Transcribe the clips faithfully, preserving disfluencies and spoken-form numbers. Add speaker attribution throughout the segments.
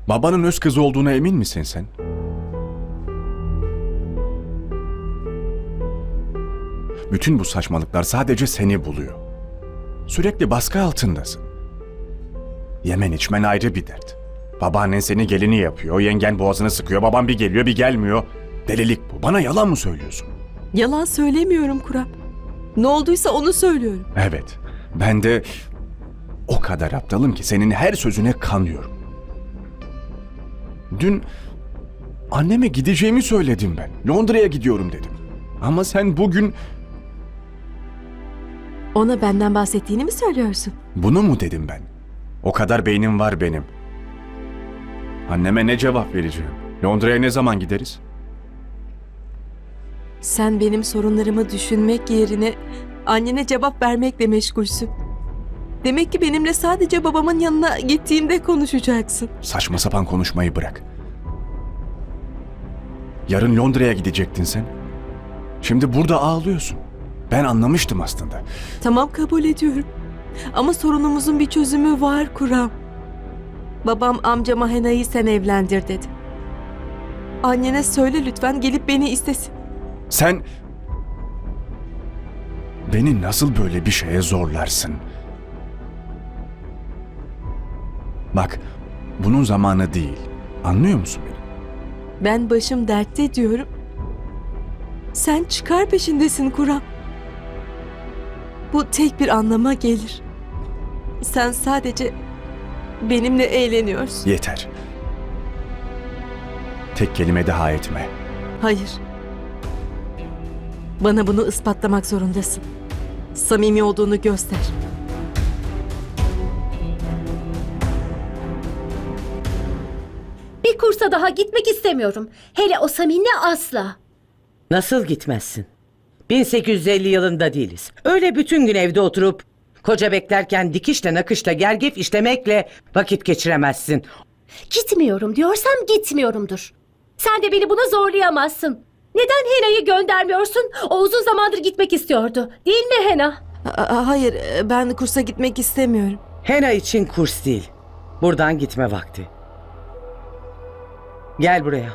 Speaker 1: Babanın öz kızı olduğuna emin misin sen? Bütün bu saçmalıklar sadece seni buluyor. Sürekli baskı altındasın. Yemen içmen ayrı bir dert. Babaannen seni gelini yapıyor, yengen boğazını sıkıyor, baban bir geliyor bir gelmiyor. Delilik bu. Bana yalan mı söylüyorsun?
Speaker 2: Yalan söylemiyorum Kurap. Ne olduysa onu söylüyorum.
Speaker 1: Evet, ben de o kadar aptalım ki senin her sözüne kanıyorum. Dün anneme gideceğimi söyledim ben. Londra'ya gidiyorum dedim. Ama sen bugün
Speaker 2: Ona benden bahsettiğini mi söylüyorsun?
Speaker 1: bunu mu dedim ben? O kadar beynim var benim. Anneme ne cevap vereceğim? Londra'ya ne zaman gideriz?
Speaker 2: Sen benim sorunlarımı düşünmek yerine annene cevap vermekle meşgulsün. Demek ki benimle sadece babamın yanına gittiğimde konuşacaksın.
Speaker 1: Saçma sapan konuşmayı bırak. Yarın Londra'ya gidecektin sen. Şimdi burada ağlıyorsun. Ben anlamıştım aslında.
Speaker 2: Tamam, kabul ediyorum. Ama sorunumuzun bir çözümü var Kuram. Babam amcama Hena'yı sen evlendir dedi. Annene söyle lütfen, gelip beni istesin.
Speaker 1: Sen beni nasıl böyle bir şeye zorlarsın? Bak, bunun zamanı değil. Anlıyor musun beni?
Speaker 2: Ben başım dertte diyorum. Sen çıkar peşindesin Kuram. Bu tek bir anlama gelir. Sen sadece benimle eğleniyorsun.
Speaker 1: Yeter. Tek kelime daha etme.
Speaker 2: Hayır. Bana bunu ispatlamak zorundasın. Samimi olduğunu göster.
Speaker 3: Bir kursa daha gitmek istemiyorum. Hele o Samin'le asla.
Speaker 4: Nasıl gitmezsin? bin sekiz yüz elli yılında değiliz. Öyle bütün gün evde oturup koca beklerken dikişle nakışla gergef işlemekle vakit geçiremezsin.
Speaker 3: Gitmiyorum diyorsam gitmiyorumdur. Sen de beni buna zorlayamazsın. Neden Hena'yı göndermiyorsun? O uzun zamandır gitmek istiyordu. Değil mi Hena?
Speaker 2: A- hayır, ben kursa gitmek istemiyorum.
Speaker 4: Hena için kurs değil. Buradan gitme vakti. Gel buraya.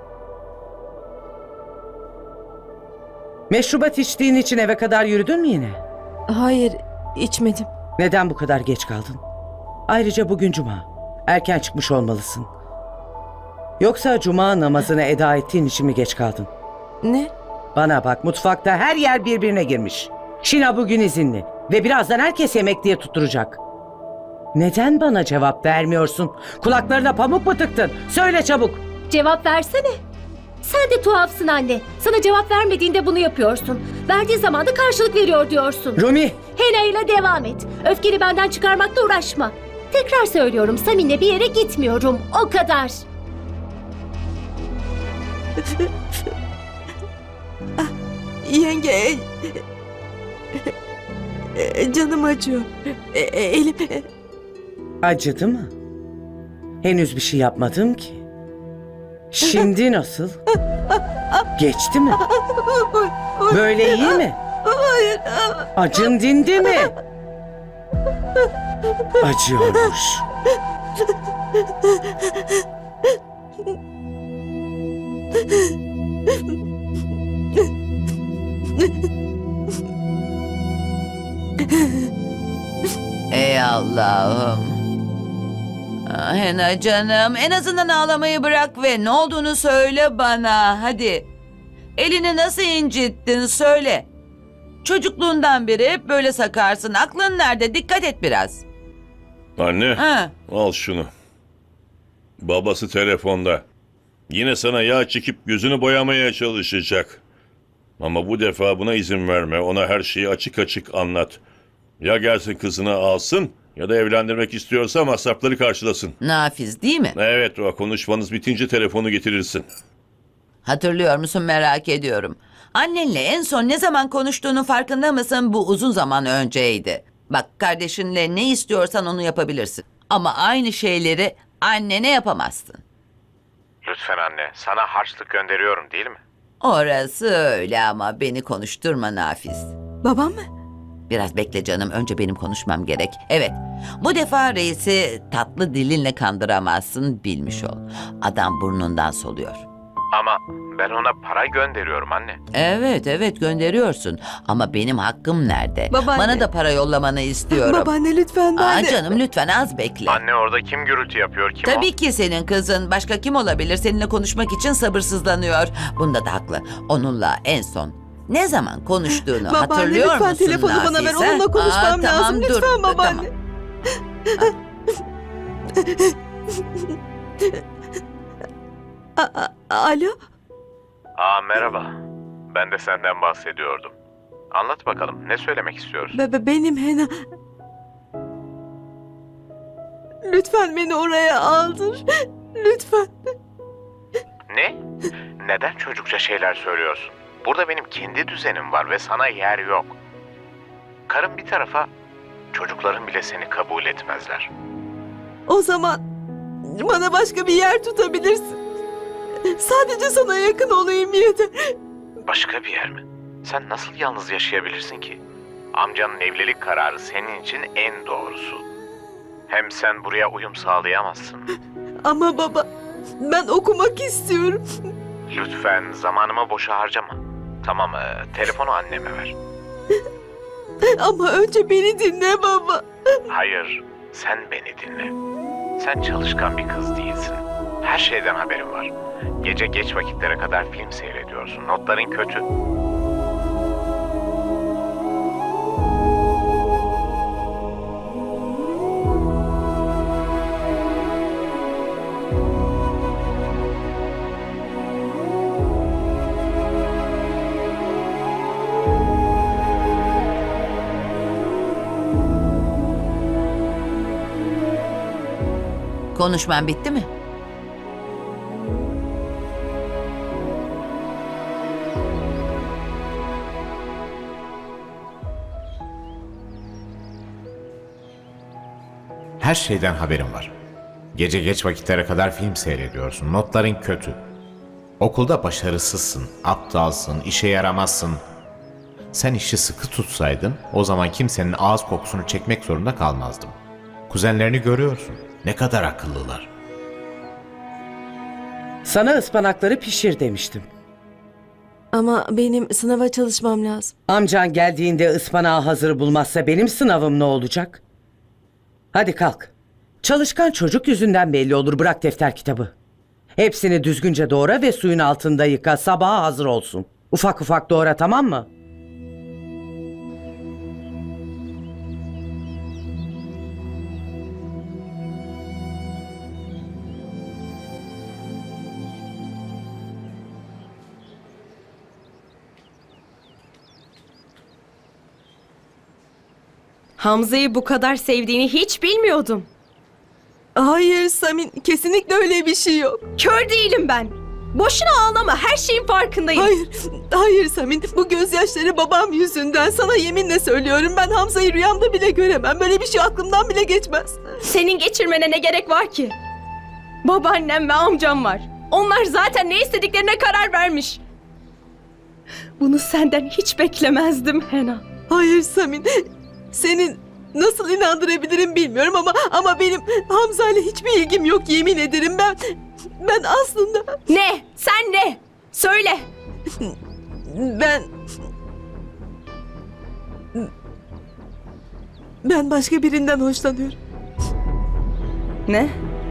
Speaker 4: Meşrubat içtiğin için eve kadar yürüdün mü yine?
Speaker 2: Hayır, içmedim.
Speaker 4: Neden bu kadar geç kaldın? Ayrıca bugün cuma. Erken çıkmış olmalısın. Yoksa cuma namazını eda ettiğin için mi geç kaldın?
Speaker 2: Ne?
Speaker 4: Bana bak, mutfakta her yer birbirine girmiş. Şina bugün izinli ve birazdan herkes yemek diye tutturacak. Neden bana cevap vermiyorsun? Kulaklarına pamuk mu tıktın? Söyle çabuk.
Speaker 3: Cevap versene. Sen de tuhafsın anne. Sana cevap vermediğinde bunu yapıyorsun. Verdiği zaman da karşılık veriyor diyorsun.
Speaker 4: Rumi!
Speaker 3: Hena ile devam et. Öfkeni benden çıkarmakla uğraşma. Tekrar söylüyorum, Samin'le bir yere gitmiyorum. O kadar.
Speaker 2: Yenge... e, Canım acıyor. E, e, Elim... e,
Speaker 4: Acıdı mı? Henüz bir şey yapmadım ki. Şimdi nasıl? Geçti mi? Böyle iyi mi?
Speaker 2: Hayır.
Speaker 4: Acın dindi mi? Acıyormuş.
Speaker 5: Ey Allah'ım. Ah, Hena canım, en azından ağlamayı bırak ve ne olduğunu söyle bana, hadi. Elini nasıl incittin söyle. Çocukluğundan beri hep böyle sakarsın. Aklın nerede? Dikkat et biraz.
Speaker 6: Anne,
Speaker 5: Ha.
Speaker 6: al şunu. Babası telefonda. Yine sana yağ çekip gözünü boyamaya çalışacak. Ama bu defa buna izin verme. Ona her şeyi açık açık anlat. Ya gelsin kızını alsın ya da evlendirmek istiyorsa masrafları karşılasın.
Speaker 5: Nafiz değil mi?
Speaker 6: Evet, o konuşmanız bitince telefonu getirirsin.
Speaker 5: Hatırlıyor musun, merak ediyorum. Annenle en son ne zaman konuştuğunun farkında mısın? Bu uzun zaman önceydi. Bak, kardeşinle ne istiyorsan onu yapabilirsin. Ama aynı şeyleri annene yapamazsın.
Speaker 7: Lütfen anne, sana harçlık gönderiyorum değil mi?
Speaker 5: Orası öyle ama beni konuşturma Nafiz.
Speaker 2: Babam mı?
Speaker 5: Biraz bekle canım. Önce benim konuşmam gerek. Evet. Bu defa reisi tatlı dilinle kandıramazsın, bilmiş ol. Adam burnundan soluyor.
Speaker 7: Ama ben ona para gönderiyorum anne.
Speaker 5: Evet evet gönderiyorsun. Ama benim hakkım nerede?
Speaker 2: Babaanne.
Speaker 5: Bana da para yollamanı istiyorum.
Speaker 2: Babaanne lütfen ben
Speaker 5: Aa,
Speaker 2: de...
Speaker 5: canım lütfen az bekle.
Speaker 7: Anne orada kim gürültü yapıyor, kim
Speaker 5: Tabii ki senin kızın. Başka kim olabilir? Seninle konuşmak için sabırsızlanıyor. Bunda da haklı. Onunla en son ne zaman konuştuğunu
Speaker 2: Babaanne
Speaker 5: hatırlıyor
Speaker 2: lütfen
Speaker 5: musun
Speaker 2: telefonu bana ver.
Speaker 5: Nafise?
Speaker 2: Onunla konuşmam
Speaker 5: Aa,
Speaker 2: lazım.
Speaker 5: tamam, dur.
Speaker 2: Lütfen babaanne.
Speaker 5: Tamam.
Speaker 2: A- a- Alo?
Speaker 7: o? Aa merhaba. Ben de senden bahsediyordum. Anlat bakalım, ne söylemek istiyorsun?
Speaker 2: Be- be- benim Hena. Lütfen beni oraya aldır. Lütfen.
Speaker 7: Ne? Neden çocukça şeyler söylüyorsun? Burada benim kendi düzenim var ve sana yer yok. Karın bir tarafa, çocukların bile seni kabul etmezler.
Speaker 2: O zaman bana başka bir yer tutabilirsin. Sadece sana yakın olayım yeter.
Speaker 7: Başka bir yer mi? Sen nasıl yalnız yaşayabilirsin ki? Amcanın evlilik kararı senin için en doğrusu. Hem sen buraya uyum sağlayamazsın.
Speaker 2: Ama baba, ben okumak istiyorum.
Speaker 7: Lütfen zamanımı boşa harcama. Tamam, e, telefonu anneme ver.
Speaker 2: Ama önce beni dinle baba.
Speaker 7: Hayır, sen beni dinle. Sen çalışkan bir kız değilsin. Her şeyden haberin var. Gece geç vakitlere kadar film seyrediyorsun. Notların kötü.
Speaker 5: Konuşman bitti mi?
Speaker 8: Her şeyden haberim var. Gece geç vakitlere kadar film seyrediyorsun. Notların kötü. Okulda başarısızsın, aptalsın, işe yaramazsın. Sen işi sıkı tutsaydın o zaman kimsenin ağız kokusunu çekmek zorunda kalmazdım. Kuzenlerini görüyorsun. Ne kadar akıllılar.
Speaker 4: Sana ıspanakları pişir demiştim.
Speaker 2: Ama benim sınava çalışmam lazım.
Speaker 4: Amcan geldiğinde ıspanağı hazır bulmazsa benim sınavım ne olacak? Hadi kalk. Çalışkan çocuk yüzünden belli olur, bırak defter kitabı. Hepsini düzgünce doğra ve suyun altında yıka, sabaha hazır olsun. Ufak ufak doğra, tamam mı?
Speaker 9: Hamza'yı bu kadar sevdiğini hiç bilmiyordum.
Speaker 2: Hayır Samin, kesinlikle öyle bir şey yok.
Speaker 9: Kör değilim ben. Boşuna ağlama, her şeyin farkındayım.
Speaker 2: Hayır, hayır Samin. Bu gözyaşları babam yüzünden. Sana yeminle söylüyorum, ben Hamza'yı rüyamda bile göremem. Böyle bir şey aklımdan bile geçmez.
Speaker 9: Senin geçirmene ne gerek var ki? Babaannem ve amcam var. Onlar zaten ne istediklerine karar vermiş. Bunu senden hiç beklemezdim Hena.
Speaker 2: Hayır Samin. Senin nasıl inandırabilirim bilmiyorum ama ama benim Hamza ile hiçbir ilgim yok, yemin ederim. Ben ben aslında
Speaker 9: Ne? Sen ne? Söyle.
Speaker 2: ben ben başka birinden hoşlanıyorum.
Speaker 9: Ne?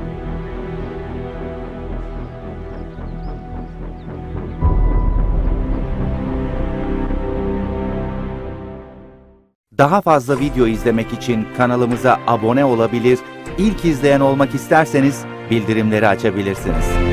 Speaker 10: Daha fazla video izlemek için kanalımıza abone olabilir, ilk izleyen olmak isterseniz bildirimleri açabilirsiniz.